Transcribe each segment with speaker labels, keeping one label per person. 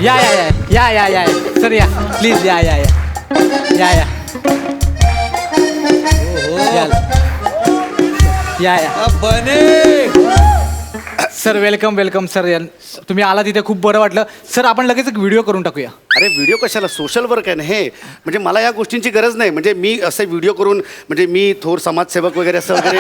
Speaker 1: या या या या या या सर या प्लीज या या या या या या या
Speaker 2: बने
Speaker 1: सर वेलकम वेलकम सर तुम्ही आला तिथे खूप बरं वाटलं सर आपण लगेच एक व्हिडिओ करून टाकूया.
Speaker 3: अरे व्हिडिओ कशाला, सोशल वर्क आहे ना हे. म्हणजे मला या गोष्टींची गरज नाही. म्हणजे मी असे व्हिडिओ करून म्हणजे मी थोर समाजसेवक वगैरे असं वगैरे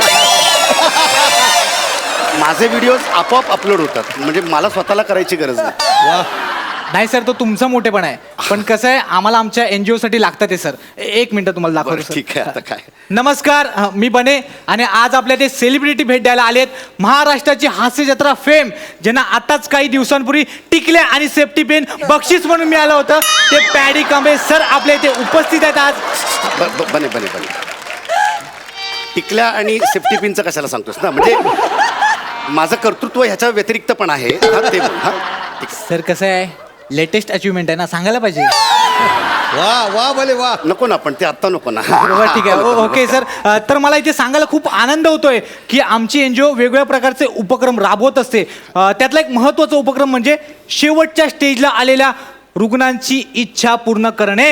Speaker 3: माझे व्हिडिओज आपोआप अपलोड होतात. म्हणजे मला स्वतःला करायची गरज नाही.
Speaker 1: नाही सर तो तुमचा मोठेपणा आहे पण कसं आहे आम्हाला आमच्या NGO साठी लागतं ते सर. एक मिनिट तुम्हाला
Speaker 3: बरं,
Speaker 1: दाखवतो
Speaker 3: ठीक आहे. आता काय
Speaker 1: नमस्कार मी बने आणि आज आपल्या ते सेलिब्रिटी भेट द्यायला आलेत. महाराष्ट्राची हास्य जत्रा फेम ज्यांना आताच काही दिवसांपूर्वी टिकल्या आणि सेफ्टी पेन बक्षीस म्हणून मिळालं होतं ते पॅडी कांबळे सर आपल्या इथे उपस्थित आहेत आज.
Speaker 3: बने बने बने टिकल्या आणि सेफ्टी पिनचं कशाला सांगतोस ना. म्हणजे माझं कर्तृत्व ह्याच्या व्यतिरिक्त पण आहे. हा ते बोल. हा
Speaker 1: सर कसं आहे लेटेस्ट अचिव्हमेंट आहे ना सांगायला पाहिजे.
Speaker 2: वा वा भले वा.
Speaker 3: नको ना पण ते आत्ता नको ना.
Speaker 1: बरोबर ठीक आहे ओके सर. तर मला इथे सांगायला खूप आनंद होतोय की आमची NGO वेगवेगळ्या प्रकारचे उपक्रम राबवत असते. त्यातला एक महत्त्वाचा उपक्रम म्हणजे शेवटच्या स्टेजला आलेल्या रुग्णांची इच्छा पूर्ण करणे.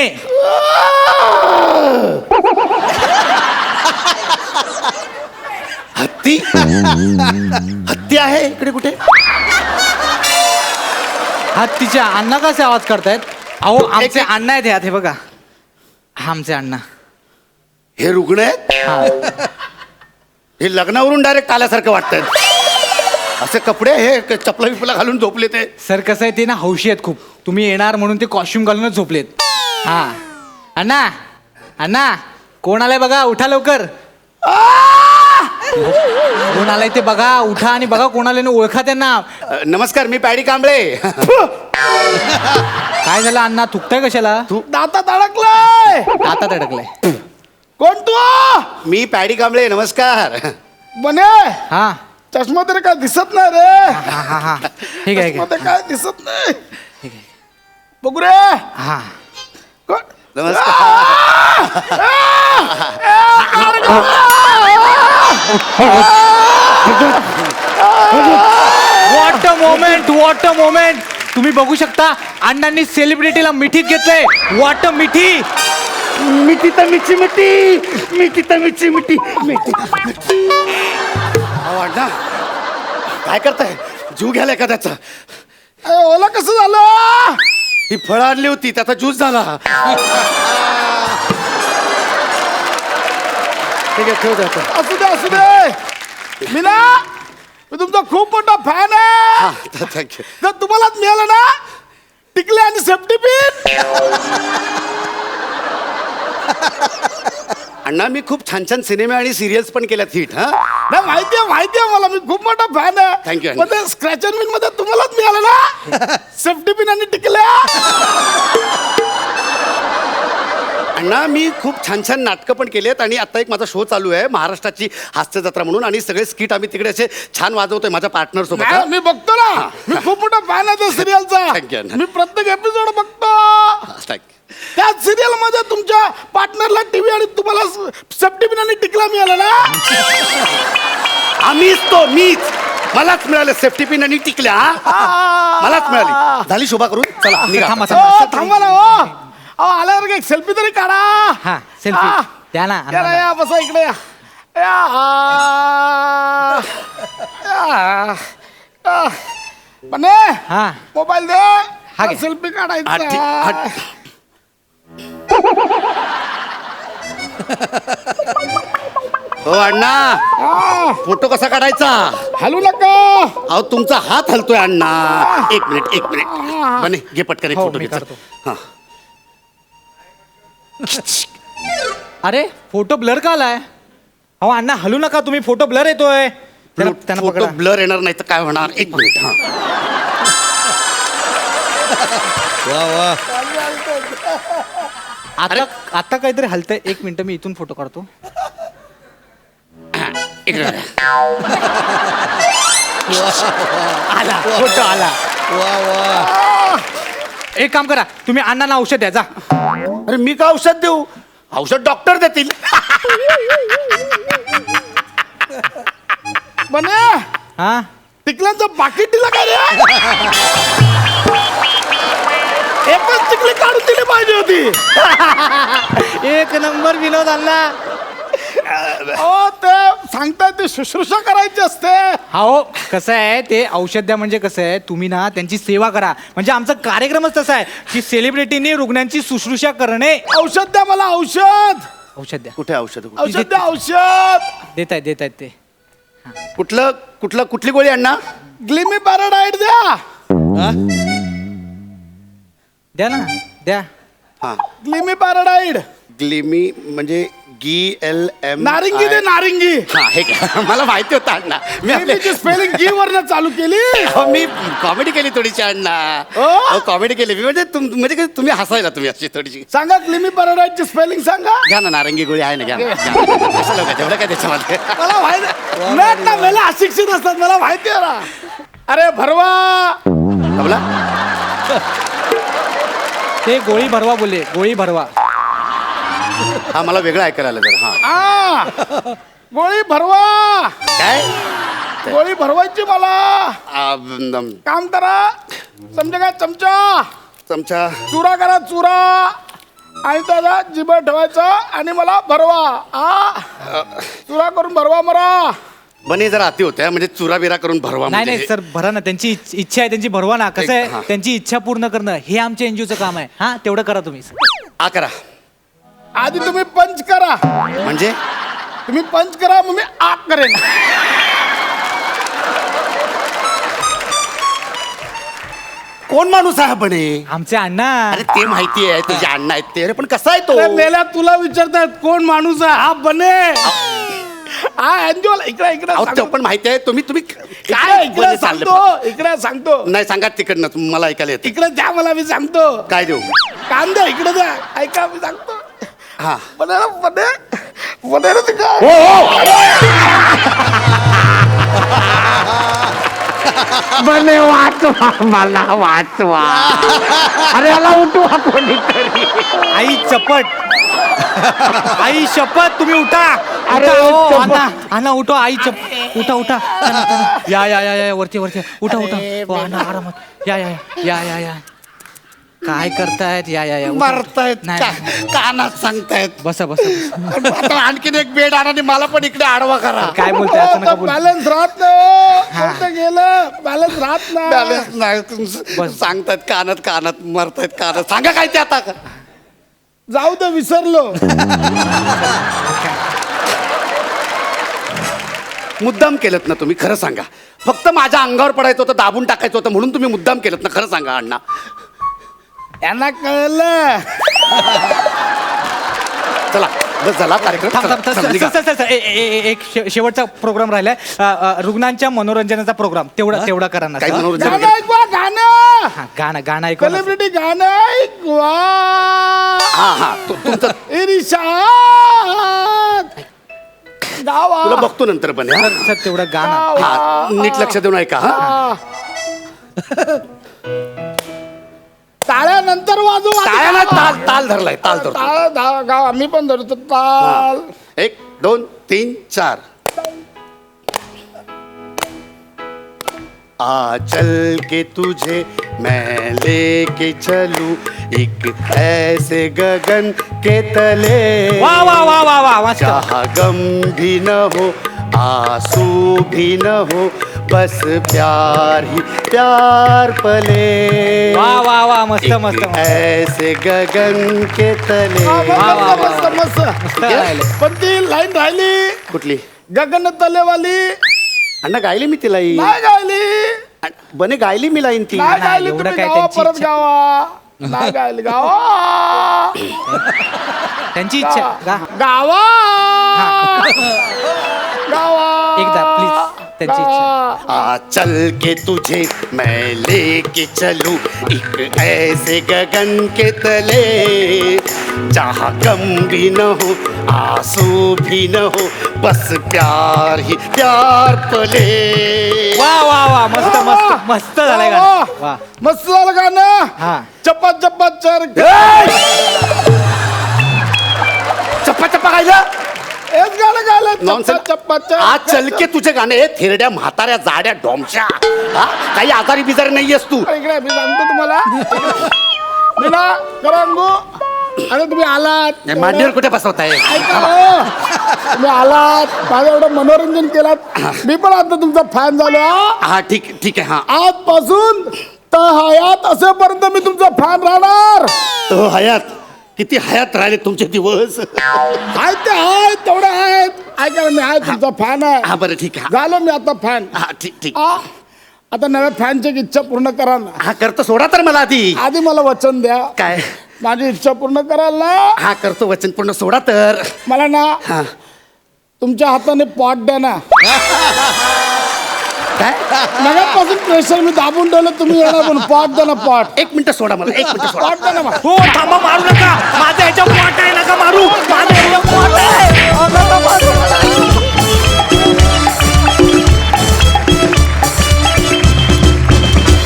Speaker 3: हत्ती हत्ती आहे इकडे कुठे.
Speaker 1: हत्तीच्या अण्णा कसे आवाज करतायत. अहो आमचे अण्णा आहेत ह्यात हे बघा हा आमचे अण्णा.
Speaker 3: हे रुग्ण आहेत.
Speaker 1: हा
Speaker 3: हे लग्नावरून डायरेक्ट आल्यासारखं वाटतंय. असे कपडे हे चपला बिपला घालून झोपले ते.
Speaker 1: सर कसं आहे ते ना हौशी आहेत खूप. तुम्ही येणार म्हणून ते कॉस्ट्युम घालूनच झोपलेत. हा अण्णा अण्णा कोण आलाय बघा उठा लवकर. कोण आलाय ते बघा उठा आणि बघा कोण आले ओळखा त्यांना.
Speaker 3: नमस्कार मी पॅडी कांबळे.
Speaker 1: काय झालं अण्णा थुकताय कशाला.
Speaker 2: दातात अडकलाय.
Speaker 1: आता अडकलाय.
Speaker 2: कोण तू.
Speaker 3: मी पॅडी कांबळे. नमस्कार.
Speaker 2: बने
Speaker 1: हा
Speaker 2: चष्मा तरी काय दिसत नाही रे.
Speaker 1: हा हा हा ठीक आहे
Speaker 2: चष्मा तर काय दिसत नाही.
Speaker 1: ठीक आहे
Speaker 2: बघू रे.
Speaker 1: हा
Speaker 2: कोण.
Speaker 3: नमस्कार.
Speaker 1: व्हॉट अ मोमेंट तुम्ही बघू शकता अण्णांनी सेलिब्रिटीला मिठीत घेतलंय. व्हॉट अ मिठी.
Speaker 3: मिठी तर मिठी मिठी मिठी तर मिठी मिठी मिठी. अण्णा काय करताय. जीव घ्यायला एखाद्याचा.
Speaker 2: ओला कसं झालं.
Speaker 3: ही फळं आणली होती त्याचा ज्यूस झाला. ठीक आहे ठेव जातो.
Speaker 2: असू दे असू दे. मी ना मी तुमचा खूप मोठा फॅन आहे.
Speaker 3: थँक्यू.
Speaker 2: जर तुम्हालाच मिळालं ना टिकले आणि सेफ्टी पिन.
Speaker 3: अण्णा मी खूप छान छान सिनेमे आणि सिरियल्स पण केल्यात हिट. हा
Speaker 2: नाही माहितीये मला मी खूप मोठा फॅन आहे.
Speaker 3: Thank you.
Speaker 2: पण ते स्क्रॅच अँड विन मध्ये तुम्हालाच मिळालं ना सेफ्टी पिन आणि टिकल्या.
Speaker 3: अण्णा मी खूप छान छान नाटकं पण केली आहेत आणि आता एक माझा शो चालू आहे महाराष्ट्राची हास्य जत्रा म्हणून आणि सगळे स्किट आम्ही तिकडे असे छान वाजवतोय माझ्या पार्टनर सोबत.
Speaker 2: नाही, मी बघतो ना. मी खूप मोठा फॅन आहे त्या
Speaker 3: Thank you,
Speaker 2: सिरियलचा.
Speaker 3: अण्णा.
Speaker 2: मी प्रत्येक एपिसोड बघतो.
Speaker 3: थँक्यू.
Speaker 2: त्या सिरियल मध्ये तुमच्या पार्टनरला टीव्ही आणि तुम्हाला सेफ्टी पिन आणि टिकला मिळाला ना.
Speaker 3: मीच मलाच मिळालं सेफ्टी पिन आणि टिकल्या. मलाच मिळाली. झाली शोभा करून चला निघा.
Speaker 1: थांबा,
Speaker 2: थांबा ना आल्यावर एक सेल्फी तरी काढा.
Speaker 1: हा सेल्फी द्या ना
Speaker 2: या ना, या बसा इकडे या. बने
Speaker 1: हा
Speaker 2: मोबाईल दे.
Speaker 1: हा घे.
Speaker 2: सेल्फी
Speaker 3: हा, ठीक.
Speaker 2: काढायचा.
Speaker 3: हो अण्णा फोटो कसा काढायचा.
Speaker 2: हलू नका.
Speaker 3: अहो तुमचा हात हलतोय अण्णा. एक मिनिट बने घे पटकन एक
Speaker 1: हो,
Speaker 3: फोटो
Speaker 1: मी
Speaker 3: घे.
Speaker 1: काढतो.
Speaker 3: हा
Speaker 1: अरे फोटो ब्लर का आलाय. अहो अण्णा हलू नका तुम्ही फोटो ब्लर येतोय. त्यांना
Speaker 3: फोटो
Speaker 1: पकडा.
Speaker 3: ब्लर येणार नाही तर काय होणार. एक मिनिट. हा
Speaker 2: वा वा.
Speaker 1: आता काहीतरी हलतंय. एक मिनिट मी इथून फोटो काढतो.
Speaker 3: इकडे.
Speaker 1: आला फोटो आला.
Speaker 2: वा वा.
Speaker 1: एक काम करा तुम्ही अण्णांना औषध द्या जा.
Speaker 3: अरे मी का औषध देऊ. औषध डॉक्टर देतील.
Speaker 2: बने
Speaker 1: हा
Speaker 2: टिकल्यांचं पाकिट दिलं का रे. केली पाहिजे होती.
Speaker 1: एक नंबर विनोद अण्णा.
Speaker 2: हो ते सांगताय ते शुश्रूषा करायची असते.
Speaker 1: हो कसं आहे ते औषध द्या म्हणजे कसं आहे तुम्ही ना त्यांची सेवा करा म्हणजे आमचा कार्यक्रमच तसा आहे की सेलिब्रिटीनी रुग्णांची शुश्रूषा करणे.
Speaker 2: औषध द्या मला औषध.
Speaker 1: औषध द्या.
Speaker 3: कुठे औषध
Speaker 2: औषध द्या औषध.
Speaker 1: देत आहेत ते.
Speaker 3: कुठली गोळी अण्णा?
Speaker 2: ग्लिमी पॅराडाईट द्या.
Speaker 1: द्या ना द्या.
Speaker 3: हा
Speaker 2: ग्लिमी पॅराडाईट.
Speaker 3: ग्लिमी म्हणजे GLM.
Speaker 2: नारिंगी दे नारिंगी.
Speaker 3: हा हे काय मला माहिती होतं अण्णा.
Speaker 2: मी स्पेलिंग गी वरनं चालू केली.
Speaker 3: मी कॉमेडी केली थोडीशी अण्णा.
Speaker 2: हो?
Speaker 3: कॉमेडी केली मी म्हणजे म्हणजे काय तुम्ही हसायला तुम्ही अशी थोडीशी.
Speaker 2: सांगा ग्लिमी पॅराडाईटची स्पेलिंग सांगा.
Speaker 3: घ्या ना नारंगी गोळी आहे ना घ्या ना. कशाला उगाच एवढं काय त्याच्यामध्ये.
Speaker 2: मला माहिती नाही ना मला अशिक्षित असतात मला माहिती आहे ना. अरे भरवा.
Speaker 3: बोला
Speaker 1: ते गोळी भरवा बोलले गोळी भरवा.
Speaker 3: हा मला वेगळं ऐकायला आलं जर. हा
Speaker 2: गोळी भरवा.
Speaker 3: काय
Speaker 2: गोळी भरवायची मला. काम करा समजा काय चमचा
Speaker 3: चमचा
Speaker 2: चुरा करा चुरा आणि त्याला जिभा ठेवायचा आणि मला भरवा. चुरा करून भरवा मला.
Speaker 3: बने जरा अति होत्या म्हणजे चुरा बिरा करून भरवा.
Speaker 1: नाही
Speaker 3: म्हणजे
Speaker 1: नाही सर भरा ना त्यांची इच्छा आहे त्यांची भरवा ना. कसं
Speaker 3: हा.
Speaker 1: आहे त्यांची इच्छा पूर्ण करणं हे आमच्या एनजीओचं काम आहे. हा तेवढं करा तुम्ही.
Speaker 3: आ करा
Speaker 2: आधी तुम्ही पंच करा.
Speaker 3: म्हणजे
Speaker 2: तुम्ही पंच करा मग मी आग करेन.
Speaker 3: कोण माणूस आहे बने?
Speaker 1: आमचे अण्णा.
Speaker 3: अरे ते माहिती आहे तुझे अण्णा आहेत ते. अरे पण कसा आहे तो?
Speaker 2: अरे मेल्या तुला विचारतायत कोण माणूस आहे. हा बने. हा एनजीओ इकडे इकडे
Speaker 3: अहो, ते
Speaker 2: सांगतो.
Speaker 3: पण माहिती आहे तुम्ही तुम्ही
Speaker 2: काय इकडे
Speaker 3: बने चालले
Speaker 2: सांगतो इकडे सांगतो.
Speaker 3: नाही सांगा तिकडनं मला ऐकायला येते.
Speaker 2: इकडे द्या मला मी सांगतो.
Speaker 3: काय देऊ?
Speaker 2: कांदा इकडे द्या ऐका मी सांगतो.
Speaker 3: हा
Speaker 2: बने बने बने रे काय.
Speaker 4: बने वाचवा मला वाचवा. अरे याला उठवा कोणीतरी.
Speaker 1: आई चपट. आई शपथ तुम्ही उठा.
Speaker 4: अरे,
Speaker 1: उठा, हो,
Speaker 4: चपट.
Speaker 1: अण्णा अण्णा उठो आई उठा उठा. चला, चला. या वरती वरती उठा उठा. हो, अण्णा आरामात या काय करतायत या उठा.
Speaker 3: मारतायत
Speaker 1: नाही, नाही.
Speaker 3: कानात सांगतायत.
Speaker 1: बसा बसा.
Speaker 3: आता आणखीन एक बेड आणा आणि मला पण इकडे आडवा करा.
Speaker 1: काय बोलताय असं नका बोलू.
Speaker 2: बॅलन्स राहत नाही. कुठं गेलं बॅलन्स राहत नाही.
Speaker 3: बॅलन्स नाही सांगतायत कानात मरतायत कानात. सांगा काय ते आता.
Speaker 2: जाऊ दे विसरलो.
Speaker 3: मुद्दाम केलं ना तुम्ही खरं सांगा. फक्त माझ्या अंगावर पडायचं होतं दाबून टाकायचं होतं म्हणून तुम्ही मुद्दाम केलं ना. खरं सांगा अण्णा.
Speaker 2: यांना कळलं.
Speaker 3: चला बस झाला कार्यक्रम.
Speaker 1: थांब, थांब,
Speaker 3: चला,
Speaker 1: थांब,
Speaker 3: निघा.
Speaker 1: सर, एक शेवटचा प्रोग्राम राहिलाय. रुग्णांच्या मनोरंजनाचा प्रोग्राम तेवढा करा ना.
Speaker 3: काही
Speaker 1: सर.
Speaker 3: मनोरंजन
Speaker 2: गाणं
Speaker 3: वगैरे?
Speaker 2: ऐकवा गाणं.
Speaker 1: हा, गाणं ऐकू ना.
Speaker 2: सेलिब्रिटी गाणं ऐकवा.
Speaker 3: हा तुमचं
Speaker 2: इरिशाद गावा.
Speaker 3: तुला बघतो नंतर पण हा.
Speaker 1: सर तेवढं गाणं.
Speaker 3: हा नीट लक्ष देऊन ऐका. हा
Speaker 2: टाळ्या नंतर वाजवा.
Speaker 3: टाळ्या नाही, ताल धरलाय ताल धरतो.
Speaker 2: टाळ्या गाव आम्ही पण धरतो ताल.
Speaker 3: 1 2 3 4. आ चल के तुझे मैं लेके चलूं एक ऐसे गगन के तले
Speaker 1: वा वा वा वा वा मस्त.
Speaker 3: जहाँ गम भी न हो आंसू भी न हो बस प्यार ही प्यार पले.
Speaker 1: वा वा वा मस्त
Speaker 3: एक
Speaker 1: मस्त मस्त.
Speaker 3: ऐसे गगन के तले.
Speaker 2: मस्त मस्त
Speaker 1: मस्त राहिले.
Speaker 2: पण ती लाईन राहिली
Speaker 3: कुठली?
Speaker 2: गगन तलेवाली
Speaker 3: अण्णा गायली मी तिला ही.
Speaker 2: नाही गायली.
Speaker 3: बने गायली मी लाईन ती.
Speaker 2: नाही गायली.
Speaker 1: एवढं
Speaker 2: तुम्ही
Speaker 1: काय
Speaker 2: गावा
Speaker 1: त्यांची
Speaker 2: परत
Speaker 1: इच्छा.
Speaker 2: गावा. नाही गायली गावा.
Speaker 1: त्यांची इच्छा गा.
Speaker 2: गावा गावा.
Speaker 1: एकदा प्लीज त्यांची इच्छा.
Speaker 2: गावा.
Speaker 3: आ चल के तुझे मैं लेके चलूं एक ऐसे गगन के तले जहाँ गम भी न हो आंसू भी न हो बस प्यार ही प्यार पले.
Speaker 1: वा वा वा मस्त मस्त मस्त झालंय गाणं. वा
Speaker 2: मस्त झालं गाणं.
Speaker 1: हा.
Speaker 2: चप्पा चप्पा चर
Speaker 3: चप्पा चप्पा गायलं.
Speaker 2: हेच गाणं गायलं.
Speaker 3: Nonsense.
Speaker 2: चप्पा चप्पा
Speaker 3: आज चल के तुझे गाणे हे थेरड्या म्हाताऱ्या जाड्या डोमच्या. हा? काही आजारी बिजारी नाहीयेस तू.
Speaker 2: इकडे मी सांगतो तुम्हाला. मी ना करंगू अरे तुम्ही आलात
Speaker 3: नाही, मांडीवर कुठे बसवताय
Speaker 2: ऐका हो. तुम्ही आलात माझं एवढं मनोरंजन केलात मी पण आता तुमचा फॅन झालो हा.
Speaker 3: हा ठीक आहे हा
Speaker 2: आजपासून तर हयात असेपर्यंत मी तुमचा फॅन राहणार.
Speaker 3: तो हयात किती हयात राहिले तुमचे दिवस
Speaker 2: आहेत ते आहेत तेवढे आहेत ऐका ना, मी आहे तुमचा फॅन आहे.
Speaker 3: हा बरं ठीक आहे
Speaker 2: झालो मी आता फॅन.
Speaker 3: हा ठीक
Speaker 2: आता नव्या फॅनची एक इच्छा पूर्ण करा ना.
Speaker 3: हा करतो सोडा तर मला आधी
Speaker 2: आधी मला वचन द्या
Speaker 3: काय
Speaker 2: माझी इच्छा पूर्ण कराल ना.
Speaker 3: हा करतो वचन पूर्ण सोडा तर
Speaker 2: मला ना
Speaker 3: हा
Speaker 2: तुमच्या हाताने पॉट द्या ना.
Speaker 3: काय
Speaker 2: नव्यापासून प्रेशर मी दाबून ठेवलं तुम्ही येणार पण पॉट द्या ना पॉट.
Speaker 3: एक मिनिट सोडा मला एक मिनिट सोडा
Speaker 2: पॉट द्या ना मला.
Speaker 1: हो थांबा मारू नका माझ्या ह्याच्या पोट आहे नका मारू माझ्या ह्याच्या पोट आहे.